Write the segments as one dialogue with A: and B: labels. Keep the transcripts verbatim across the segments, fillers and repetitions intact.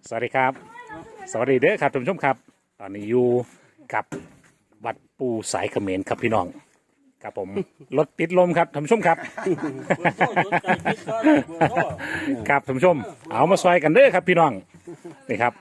A: สวัสดีครับสวัสดีเด้อครับท่านผู้ชมครับตอนนี้อยู่กับวัดปูสายเขมรครับพี่น้องครับผมรถติดลมครับท่านผู้ชมครับครับท่านผู้ชมเอามาซอยกันเด้อครับพี่น้องนี่ครับ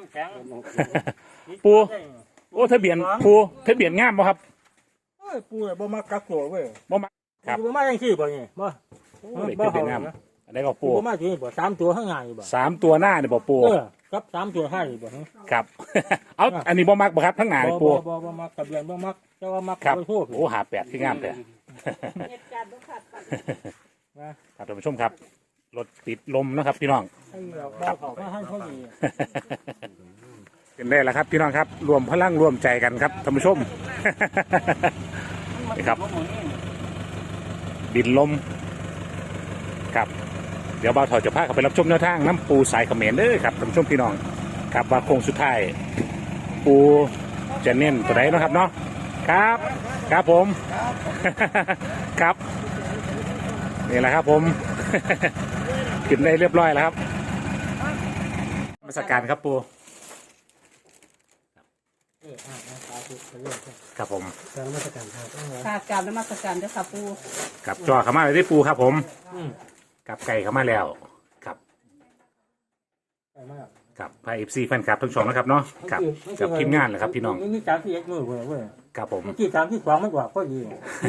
A: ปูโอ้ทะเบียนปูทะเบียนงามบ่ครับ
B: ปูเนี่ยบ่มากักตัวเว้ย
A: บ่มาครับ
B: บ่มาจังซี่บ่นี่บ่
A: โอ้ทะเบียนงามอันนี้ก็ปู
B: บ่มาจังซี่บ่สามตัวข้างหน้าอยู่บ่
A: สามตัวหน้าเนี่ยบ่ปู
B: เออครับสามตัวท้ายอยู่บ่ฮะ
A: ครับ เอาอันนี้บ่มักบ่ครับทั้งหน้า
B: บ่
A: นี่ปู
B: บ่บ่บ่มาทะเบียนบ่มักแต่ว่ามัก
A: ครับ
B: ไปโทษ
A: โอ้หาแปดที่งามแต่
C: เหตุการณ์บ่คาดฝัน
A: ครับท่านผู้ชมครับรถติดลมนะครับพี่น้อง
B: ให้เราบ่เข้ามาให้เขาดี
A: เป็นได้แล้วครับพี่น้องครับรวมพลังรวมใจกันครับท่านผู้ชม นี่ครับบินลมครับเดี๋ยวบ่าวถอดจะพาเขาไปรับชมแนวทางน้ำปูสายเขมรเด้อครับท่านผู้ชมพี่น้องครับว่าโค้งสุดท้ายปูจะเน้นตัวไหนเนาะครับเนาะครับครับผม ครับนี่แหละครับผม ขึ้นได้เรียบร้อยแล้วครับนมาสการครับปู
B: เอออ่าสาธุไปเรื่อย
A: ครับผม
B: ๆการนมัสการครับ
C: ค่ะกราบนมัสการเด้อค่ะปู
A: กับจอเข้ามาเลยที่ปูครับผม
B: อืม
A: กับไก่เข้ามาแล้วครับ
B: ไปมาก
A: กับพายเอฟซีแฟนคลับทั้งสองนะครับเนาะกับกับทีมงานเลยครับพี่น้อง
B: มีสามที่เอ็ดมือเว้ยเว้ย
A: กับผม
B: ที่สามที่สองมันกว่าพอดี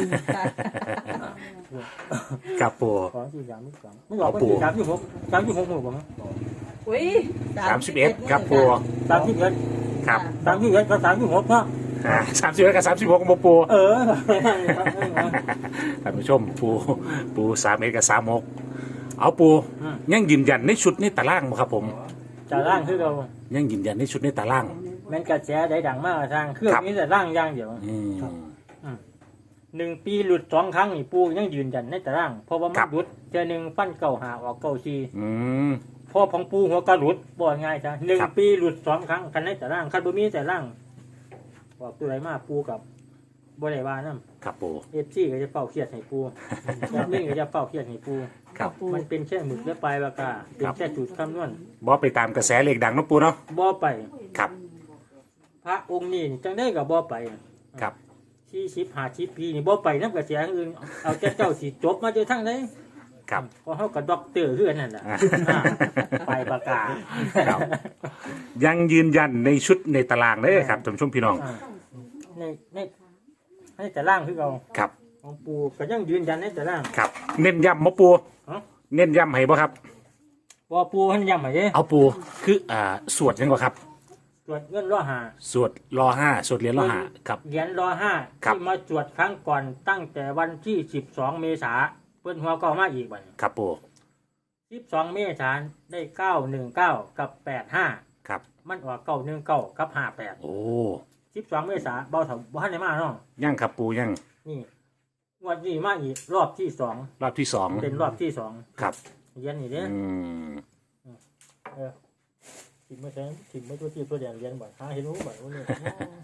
A: กับปู
B: สองที่สามที่สองมันกว่าพอดีสามที่หกสามที่หกมือบ่ฮะ
C: อุ้ย
A: สามสิบเอ็ดครับปู
B: สามที่เอ็ด
A: ครับ
B: สามที่เอ็ดกับสามที่หกเนาะ
A: สามสิบเอ็ดกับสามสิบหกของปู
B: เออ
A: ท่านผู้ชมปูปูสามเอ็ดกับสามหกเอาปูยังยืนยันในชุดในตารางบ่ครับผม
B: จะร่างคือเรา
A: ยังยืนยันในชุดในตาราง
B: แมันกระแสได้ดังมากทางเครื่องนี้แต่ร่างอย่างเดียว
A: อืม
B: หนึ่งปีหลุดสองครั้งนี่ปูยังยืนยันในแต่ร่างเพราะว่ามันหลุดเจอหนึ่งฟันเก่าหาออกเก่าชี
A: อืม
B: พ่อของปูหัวกระหลุดบ่ง่ายจ้ะหนึ่ง
A: ครับ
B: ปีหลุดสองครั้งคันในแต่ร่างคันบ่มีแต่ร่างบอกตัวไรมากปูกับบ่ได้ว่านั่น
A: ครับปู
B: เอฟซีก็จะเฝ้าเครียดให้ปูแอดมินก็จะเฝ้าเครียดให้ปู
A: ครับ
B: มันเป็นแค่หมึกและปลายปากกาเป็นแค่จุดคำนวณ
A: บ่ไปตามกระแสเลขดังเนาะปูเนาะ
B: บ่ไป
A: ครับ
B: พระองค์นี้จังได้กับบ่ไป
A: ครับ
B: ที่ชิปหาชิปพีนี่บ่ไปน้ำกระแสอื่นเอาแต่เจ้าสิจบมาเจอทั้งไหน
A: ครับ
B: ก็เฮากับด็อกเตอร์คือกันนั่นน่ะ
A: อ่า
B: อ่าไปปากกา
A: ครับ ยังยืนยันในชุดในตารางเด้อครับท่านผู้ชมพี่น้อง
B: อ่าในในในแต่ล่างคือเรา
A: ครับ
B: ของปูก็ยังยืนยันในแต่ล่าง
A: ครับ เน้นย้ำมาปู
B: ฮะ
A: เน้นย้ำให้บ่ครับ
B: บ่ปูเพิ่นย้ำให้เด้
A: เอาปูคืออ่าสวดยังบ่ครับ
B: ตรวจเงินรอหา
A: สวดรอห้าสวดเหรียญรอห้าครับ
B: เหรียญรอห้า
A: ครับ
B: ที่มาตรวจครั้งก่อนตั้งแต่วันที่สิบสองเมษาเพิ่นหัวก็มาอีกบัด
A: ครับปู
B: สิบสองเมษาได้เก้าหนึ่งเก้ากับแปดห้า
A: ครับ
B: มันออกเก้าหนึ่งเก้ากับห้าแปด
A: โอ้
B: สิบสองเมษาเบาเถาบ้านในมาเนาะ
A: ยังครับปูยัง
B: นี่งวดนี้มาอีกรอบที่สอง
A: รอบที่สอง
B: เป็นรอบที่สอง
A: ครับ
B: เรียนนี่เด้
A: อืม
B: เออถิ่มไม่ใช่ถิ่มไม่ตัวที่ตัวแดงเรียนบ่อยหาเห็นรู้บ่อยว่าเนี่ย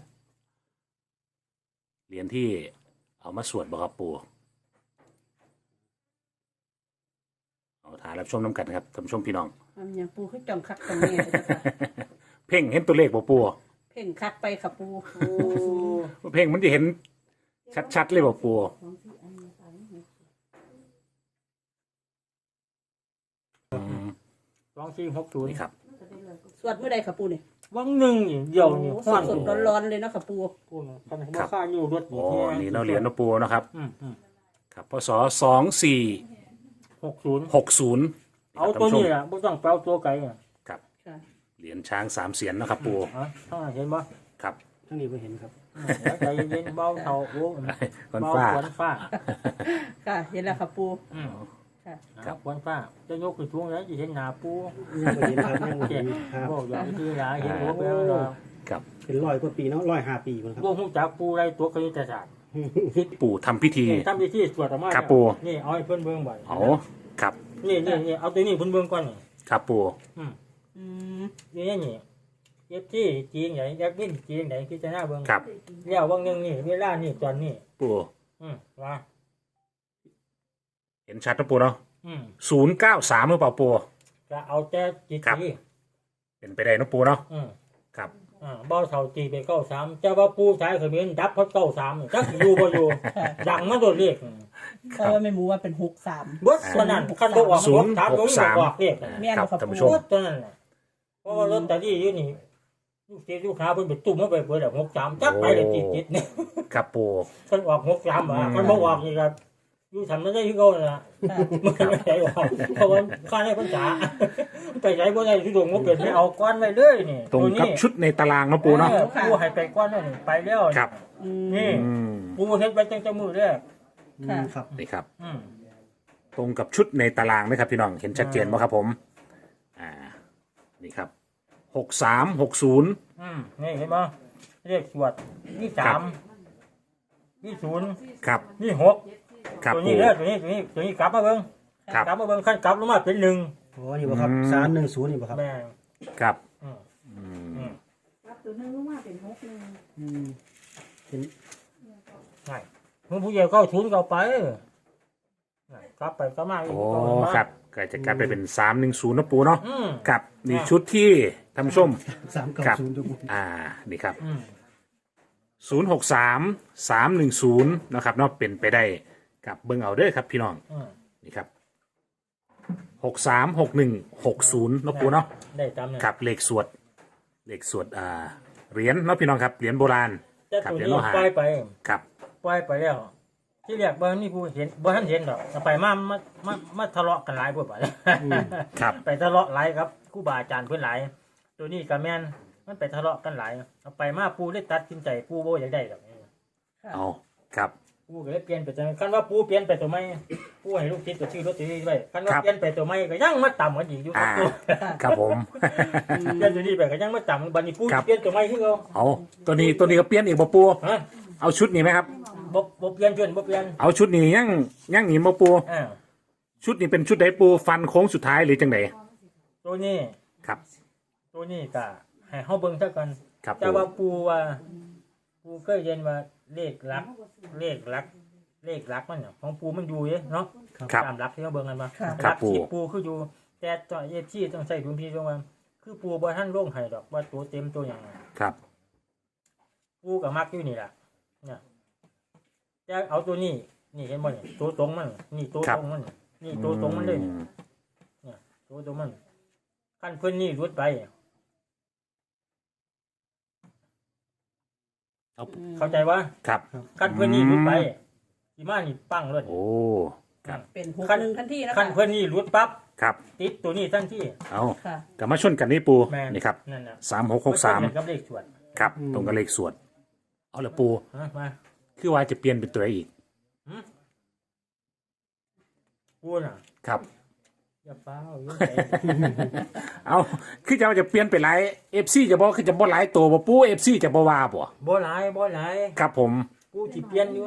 A: เหรียญที่เอามาสวดบ่ครับปูเอาถ่ายรับชมน้ำกันครับท่านผู้ชมพี่น้อง
C: อันอย่างปูคือจังคักจังแม่เลยค่ะ
A: เพ่งเห็นตัวเลขบ่ปู
C: เพ่งคักไปค่ะปู
A: เพ่งมันจะเห็นชัดๆเลยบ่ปูอืม
B: สองสี่หกศูนย์
A: นี่ครับ
C: สวดเมื่อใดค่ะปูนี่
B: วังหนึ่งนี่เดียวนี่
C: โอ้
B: ห้อน
C: สดๆร้อนๆเลยเนาะค่ะปู
B: ปูนะคันว่าค่าอยู่รถ
A: โอ้นี่เนาะเหรียญเนาะปูเนาะครับ
B: อืมอืม
A: ครับพศสองสี่
B: หกศูนย์
A: หกศูนย์
B: เอาตัวนี้อ่ะไม่ต้องแปลตัวไกลอ่ะ
A: ครับ
C: ค่ะ
A: เหรียญช้างสามเสียนนะครับปู
B: ฮะท่านเห็นบ่
A: ครับ
B: ท่านนี้ไม่เห็นครับใจเย็นๆเบาเท่าโอ้
A: คน
B: เบา
A: ฟ้า
B: ขวัญฟ้า
C: ค่ะเห็นแล้วค่ะปู
B: อืม
C: ค่ะ
B: ครับขวัญฟ้าจะยกขึ้นช่วงแล้วจะเห็นหน้าปู
D: ยังบ่เห็นครับยังบ่
B: เจ็
D: เห็
B: บ
D: นครับ
B: บอกอย่างที่หลายเห็นหัวไปแล้วเนาะ
A: ครับ
D: เป็นร้อยกว่าปีเนาะร้อยห้าปีมันครับ
B: พวกหูจักปูไรตัวคณิตศาสตร์
A: ปู่ทำพิธี
B: นี่ทำพิธีสวดออกมา
A: ครับปู่
B: นี่เอาให้เพื่อนเบิ่งบ่อย
A: เอาครับ
B: นี่นี่นี่เอาตัวนี้เพื่อนเบิ่งก่อนนี่
A: ครับปู
B: อืม
C: อืม
B: นี่นี่เอฟจีจีนไหนแอดมินจีนไหนพิจารณาเบิ่ง
A: ครับ
B: เรียกว่างหนึงนี่เวลานี่ตอนนี้
A: ปู
B: อืมว่า
A: เห็นชัดนะปูเนาะ
B: อืม
A: ศูนย์เก้าสามหรือเปล่าปู
B: จะเอาแต่จิต
A: ครับ
B: ที
A: เป็นไปได้เนาะปูเนาะ
B: อืม
A: ครับ
B: อ่าเบาเท่าตีไปเก้าสามเจ้าว่าปูชายเขมิ้นดับเขาเก้าสามจักอยู่บ่อยู่ ดังมาโดดเรียก
C: เพราะว่าไม่รู้ว่าเป็นหกสาม
B: เบิดตัวนั้นคันบ่ออกหกสามตรงนี้บ่ออกเรียก
C: แม่น
A: ครับ
C: บ่ค่ะ
A: ท่าน
C: ปู
A: ผู้ชม
B: เบิดตัวนั้นน่ะเพราะว่าลอตเตอรี่อยู่นี่ลูกเสียลูกค้าเพิ่นไปตุ่มมาไปเบิดแล้วหกสามจักไปเลยจิตๆเนี่ย
A: ครับปู
B: เพิ่นออกหกสามอ่ะเพิ่นบ่ออกนี่ก็อยู่ทำไม่ได้คือเก่านั่นล่ะ
C: ค่ะ
B: มันไม่ได้ออกเพราะว่าค่าได้พรรษาไปไหนบ่ได้ทุดงบ่เป็นไม่เอาก้อนไว้เลยนี่
A: ตรง
B: ตัว
A: กับ
B: นี้
A: ชุดในตารางเนาะปูเนาะ
B: ออปูให้ไปก้อนนั่นไปแล้ว
A: ครับ
C: อืม
B: นี่
A: อืม
B: ปูเฮ็ดไปตั้งแต่มื้อแรก
D: อื
C: ค่ะ
D: มครับ
A: นี่ครับ
B: อืม
A: ตรงกับชุดในตารางนะครับพี่น้องเห็นชัดเจนไหมครับผมอ่านี่ครับหกสามหกศูนย์
B: อืมนี่เห็นบ่เลขสวดนี่สามนี่ศูนย์
A: ครับ
B: นี่หก
A: ครับ
B: ตัว
A: ปู
B: นี้เด้อตัวนี้ตัวนี้ตัวนี้กลับมาเบิ่ง
A: ครับ
B: กลับมาเบิ่งขั้นกลับลงมาเป็นหนึ่ง
D: โอ้นี่บ่ครับ
A: อืม
D: สามหนึ่งศูนย์นี่บ่ครับ
B: แม่ง
A: ครับ
B: อืม
A: อืม
B: อืม
E: รับตัวหนึงลงมาเป็นหกหนึ่ง
D: อืมเป็น
B: ใช่มึงผู้ใหญ่เข้าทุนเข้าไปน่ะกลับไปกลับมาอีก
A: โอ้
B: กลับมา
A: ครับก็จะกลับไปเป็นสามหนึ่งศูนย์นะปูเนาะ
B: อืม
A: ครับนี่ชุดที่ท่านผู้ชม
D: สามเก้า
A: ครับ
D: ศูนย์ทุกคน
A: อ่านี่ครับ
B: อืม
A: ศูนย์หกสามสามหนึ่งศูนย์นะครับเนาะเป็นไปได้กับเบิ้งเอาเด้อครับพี่น้อง
B: อืม
A: นี่ครับหกสามหกหนึ่งหกศูนย์นะปูเนาะ
B: ได้ตามนั้น
A: ครับเลขสวดเลขสวดอ่าเหรียญเนาะพี่น้องครับเหรียญโบราณ
B: แต่
A: ครับ
B: ตัว
A: เหรียญ
B: นี้
A: โลหะ
B: ปล่อยไป
A: ครับ
B: ปล่อยไปแล้ว ที่เรียกบ่มีผู้เห็นบ่ทันเห็นดอกเอาไปมามามามาทะเลาะกันหลายพวกไป
A: ครับ
B: ไปทะเลาะหลายครับครูบาอาจารย์เพิ่นหลาย ตัวนี้ก็แม่นมันไปทะเลาะกันหลายเอาไปมาปูได้ตัดสินใจปูบ่อยากได้ดอก
A: เอาครับ
B: ปูก็เลยเปลี่ยนไปจังคันว่าปูเปลี่ยนไปตัวใหม่ปูให้ลูกศิษย์ก็ชื่อรถตีไว้คันว่า
A: ครับ
B: เปลี่ยนไปตัวใหม่ก็ยังมาต่ำกันอีกอยู่ครั
A: อ่า
B: บตัว
A: ครับผม
B: เปลี่ยนตัวนี้ไปก็ยังมาต่ำบัดนี้ปู
A: ครับ
B: เปลี่ยนตัวใหม่คือเก่า
A: เอาตัวนี้ตัวนี้ก็เปลี่ยนอีกบ่ปู
B: ฮะ
A: เอาชุดนี้ไหมครับ
B: บ่บ่เปลี่ยนเปลี่ยนบ่เปลี่ยน
A: เอาชุดนี้ยังยังหนีบ่ปู
B: อ่า
A: ชุดนี้เป็นชุดใดปูฟันโค้งสุดท้ายหรือจังได
B: ตัวนี้
A: ครับ
B: ตัวนี้ก็ให้เฮาเบิ่งซะก่อน
A: ครับ
B: แต่
A: ปู
B: ว่าปูว่าปูเคยเรียนว่าเลขหลัก เลขหลัก เลขหลักมันน่ะของปูมันอยู่เด้เนาะ
A: ครับ
B: ตามหลักที่เขาเบิ่งกันมา
C: ค่ะ
B: ห
A: ครั
B: ลั
A: บ
B: กที่
A: ปู่
B: ปูคืออยู่ แต่ต่อเอฟซีต้องใส่ดุลพินิจว่าคือปูบ่ทันลงให้ดอกว่าตัวเต็มตัวหยัง
A: ครับ
B: ปูก็มักอยู่นี่ล่ะเนี่ยแต่เอาตัวนี้ นี่เห็นบ่นี่ตัวตรงมัน นี่ตัวตรงมัน นี่ตัวตรงมันเลยนี่ เนี่ยตัวตรงมันขั้นเพิ่นนี่รุดไป
A: เอา
B: เข้าใจว่า
A: ครับ
B: ขั้นเพิ่นนี่รุดไปสิมานี่ปังเลย
A: โอ้ครับ
C: เป็นหกหนึ่งทันทีนะ
B: ขั้
C: คะ
B: นเพิ่นนี่รุดปั๊บ
A: ครับ
B: ติดตัวนี้ทันที
A: เอา
C: ค่ะ
A: กลับมาชนกันนี่ปู
B: แม่น
A: นี่ครับ
B: นั่นน่ะ
A: สามหกหกสาม
B: นกับเลขสวด
A: ครับ ตรงกับเลขสวด เอาละปู
B: ฮะมา
A: คือว่าจะเปลี่ยนเป็นตัวไหนอีก
B: ปูน่ะ
A: ครับ
B: อย่าเป้าอย่าใจ
A: เอาคือจะว่าจะเปลี่ยนเป็นหลายเอฟซีจะบอกคือจะบ่หลายตัวบ่ปูเอฟซีจะบ่ว่าบ่
B: บ่หลายบ่หลาย
A: ครับผม
B: กูสิเปลี่ยนอยู่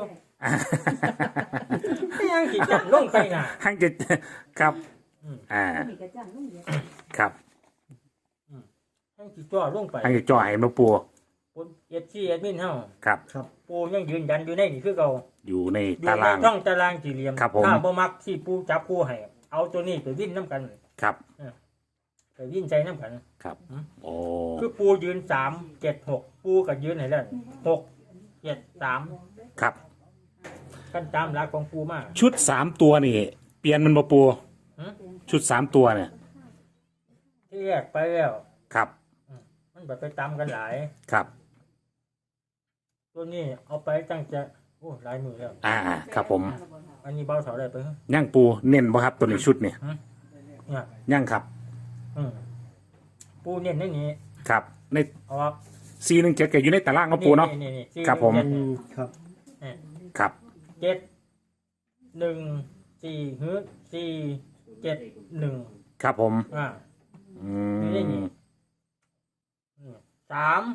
B: ยังสิจัดลงไปน่ะ
A: หังจะครับ
B: อืม
A: อ่า
E: มีกระจังลงเดียว
A: ครับ
B: ยังสิจ่อลงไป
A: หังจะจ่อให้มาปู
B: ผมเอฟซีแอดมินเฮา
A: ครับ
B: ปูยังยืนยันอยู่ในนี่คือเก่า
A: อยู่ใน
B: อยู่
A: ตา
B: ใน
A: ราง
B: ช่องตารางสี่เหลี่ยม
A: ครับผม
B: ถ้าบ่มักที่ปูจับปูให้เอาตัวนี้ไปวิ่นน้ำกัน
A: ครับ
B: ไปวิ่นใจน้ำกัน
A: ครับ
B: อืม
A: โอ้
B: คือปูยืนสามเจ็ดหกปูก็ยืนให้แล้วหกเจ็ดสาม
A: ครับ
B: กันตามหลักของปูมา
A: ชุดสามตัวนี่ เปลี่ยนมันบ่ปู
B: หือ
A: ชุดสามตัวเนี่ย
B: ที่แยกไปแล้ว
A: ครับ
B: มันแบบไปตามกันหลาย
A: ครับ
B: ตัวนี้เอาไปตั้งจะโอ้หลายมือแล้ว
A: อ่า ครับผม
B: อันนี้เบาเสาได้ไปเหรอ
A: ย่างปูเน้นบ่ครับตัวนี้ชุดเนี่ย
B: เนี่ย
A: ย่างครับ
B: อืมปูเน้นในนี้
A: ครับ ใน
B: เอาว่า
A: ซีหนึ่งเจ็ดก็อยู่ในตารางของปูเนาะ
B: นี่นี่
A: ครับผม
B: เจ็ด
D: อื
B: นี่
D: มครับ
A: ครับ
B: เจ็ดหนึ่งสี่ฮึสี่เจ็ดหนึ่ง
A: ครับผม
B: อ่า
A: อื
B: นี่นี่
A: ม
B: อืมสาม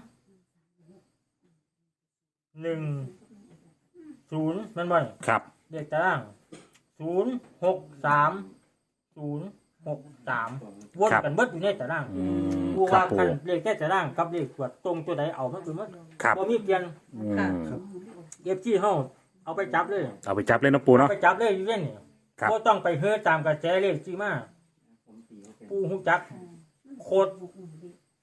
B: หนึ่งศูนย์มันบ่อย
A: ครับ
B: เลขตารางศูนย์หกสามศูนย์หกสามวนกันเบิดอยู่ในตาราง
A: อืม
B: ผู้
A: ครั
B: ว่า
A: บปู
B: กันเลขแค่ตารางกับเลขตรวจตรงตัวใดเอามันคือมัน
A: ครับ
B: บ่มีเปลี่ยน
A: อืม
B: เอฟซีเฮาเอาไปจับเลย
A: เอาไปจับเลยเนาะปู
B: เอา
A: เนาะ
B: ไปจับเลยอยู่เล่นนี่
A: ครับ
B: บ่ต้องไปเฮือตามกระแสเลขที่มาผู้ฮู้จักโคตร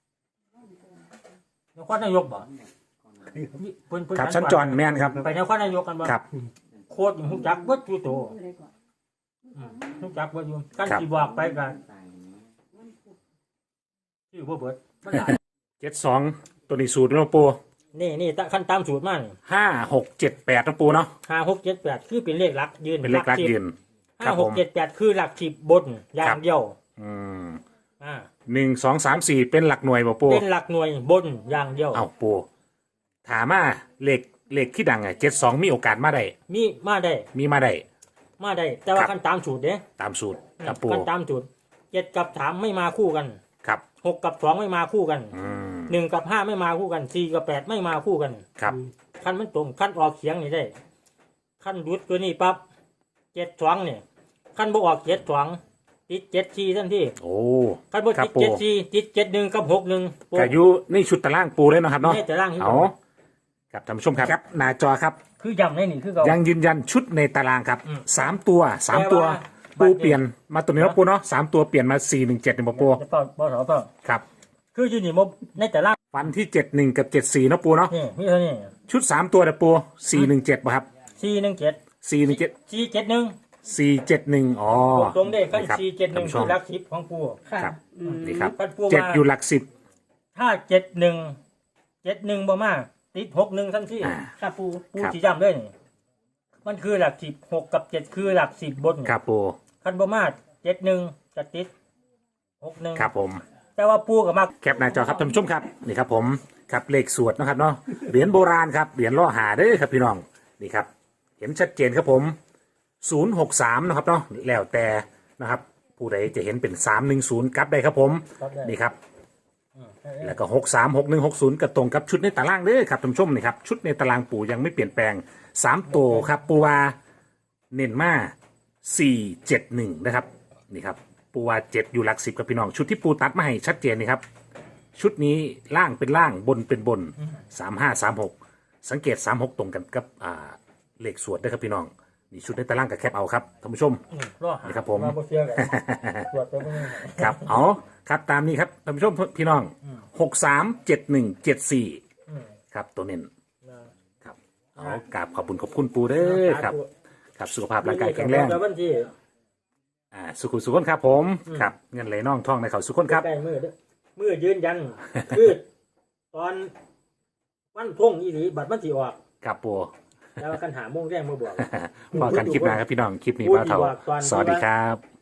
B: นครนายกบ่เพิ่นเพิ่น
A: ครับสัญจรแม่นครับ
B: ไปนครนายกกันบ่
A: ครับ
B: โคตรฮู้จักเบิดอยู่โตอืมฮู้จักเบิดอยู่กันสิบอกไปกันชื่อบ่เบิดมันหลาย
A: เจ็ดสองตัวนี้สูตรนะปู
B: นี่นี่ตะขั้นตามสูตรมานี่
A: ห้าหกเจ็ดแปดนะปูเนาะ
B: ห้า หก เจ็ด แปดคือเป็นเลขหลักยืน
A: เป็นเลขลัก
B: สิบ
A: ยืนค
B: ห้า
A: รับ
B: ห
A: ผ
B: ก
A: ม
B: เจ็ด แปดคือหลักสิบบนอย่างเดียว
A: อืม
B: อ่า
A: หนึ่งสองสามสี่เป็นหลักหน่วยบ่ปู
B: เป็นหลักหน่วยบนอย่างเดียว
A: เอ้าปูถามมาเลขเลขที่ดังไงเจ็ดสองมีโอกาสมาได้
B: มีมาได้
A: มีมาได้
B: มาได้ แต่ว่า
A: ครับ
B: ขั้นตามสูตรเด้
A: ตามสูตรครับปู
B: ขั้นตามสูตรเจ็ดกับสามไม่มาคู่กัน
A: ครับ
B: หกกับสองไม่มาคู่กัน
A: อืม
B: หนึ่งกับห้าไม่มาคู่กันสี่กับแปดไม่มาคู่กัน
A: ครับ
B: ขั้นมันตรงขั้นออกเสียงนี่ได้ขั้นรุดตัวนี้ปั๊บเจ็ดสองเนี่ยขั้นบ่ออกเจ็ดสองติดเจ็ดสี่ทันที
A: โอ้
B: ขั้นบ่
A: ครั
B: ติ
A: บ
B: ด
A: ปู
B: เจ็ดสี่ติดเจ็ดหนึ่งกับหกหนึ่ง
A: กายุในชุดตารางปูเลยเนาะครับเนาะ
B: นี่แต่ร่างที่
A: เอาครับท่านผู้ชมครับครับหน้าจอครับ
B: คือยำในนี่คือเขา
A: ยังยืนยันชุดในตารางครับ
B: อืม
A: สามตัวสามตัว
B: แต่ว่า
A: ปูเปลี่ยนมาตัวนี้เนาะปูเนาะสามตัวเปลี่ยนมาสี่หนึ่งเจ็ดเนี่ยบ่ปู
B: จะเป่าเป่าเสาเป่า
A: ครับ
B: คืออยู่นี่มบในแต่ร่าง
A: ฟันที่เจ็ดหนึ่งกับเจ็ดสี่เนาะปูเนาะ
B: นี่มีเท่านี้
A: ชุดสามตัวเด้อปูสี่หนึ่งเจ็ดป่ะครับ
B: สี่หนึ่งเจ็ด
A: สี่หนึ่งเจ็ด
B: สี่เจ็ดหนึ่ง
A: สี่เจ็ดหนึ่งอ๋อ
B: ตรงๆได้ขั้น
A: ครับ
B: สี่เจ็ดหนึ่ง
A: ท่านผู้ช
B: คือ
A: ม
B: รักสิบของปู
C: ค่ะ
A: ครับ
C: อืม
A: นี่ครับ
B: ขั้นปู
A: เจ็ด
B: มา
A: อยู่หลักสิบ
B: ถ้าเจ็ดหนึ่งเจ็ดหนึ่งบ่มากติดหกหนึ่งทันที
A: อ่า
C: ค่ะปู
B: ปู
A: ครับ
B: สีจำด้วยนี่มันคือหลักสิบหกกับเจ็ดคือหลักสิบบน
A: ครับปู
B: ขั้นบ่มากเจ็ดหนึ่งจะติดหกหนึ่ง
A: ครับผม
B: แต่ว่าปูกับมาก
A: แคปหน้าจอครับท่านผู้ชมครับนี่ครับผมครับเลขสวดนะครับเนาะเหรียญโบราณครับเหรียญล่อหาเด้อครับพี่น้องนี่ครับ เห็นชัดเจนครับผมศูนย์หกสามนะครับเนาะแล้วแต่นะครับ ผู้ใดจะเห็นเป็นสามหนึ่งศูนย์กลับได้ครับผม
B: ครับได้
A: นี่ครับ
B: อืม
A: แล้วก็หกสามหกหนึ่งหกศูนย์ก็ตรงกับชุดในตารางเด้อครับท่านผู้ชมนี่ครับชุดในตารางปู่ยังไม่เปลี่ยนแปลงสามตัวครับปูวาเน้นมาสี่เจ็ดหนึ่งนะครับนี่ครับปูวาเจ็ดอยู่หลักสิบกับพี่น้องชุดที่ปูตัดมาให้ชัดเจนนี่ครับ ชุดนี้ล่างเป็นล่างบนเป็นบนสามห้าสามหกสังเกตสามหกตรงกันกับอ่าเลขสวดด้วยครับพี่น้องนี่ชุดในตารางกับแคปเอาครับท่านผู้ชม
B: อืมรอหา
A: นี่ครับผม
B: าบ่เชื่อกันตรวจตัวพวกนี้
A: ครับเอาครับตามนี้ครับท่านผู้ชมพี่น้องหกสามเจ็ดหนึ่งเจ็ดสี่
B: อืม
A: ครับตัวเน้น
B: นะครับ
A: เอากราบขอบคุณขอบคุณปูเด้อครับครับสุขภาพร่างกายแข็งแรง
B: แล้ววันที่
A: อ่าสุขุสุขคนครับผมครับเงินไหลน่องท่องในเขาสุขคนครับ
B: ใกล้มือเด้อมือยืนยัน คือตอนวันพงอีหลีบัตรมันสิออก
A: ครับปู
B: แล้วกันหาโมงแรกมือบวก
A: พอกันคลิปหน้าครับพี่น้องคลิปนี้บ้าเถาสวัสดีครับ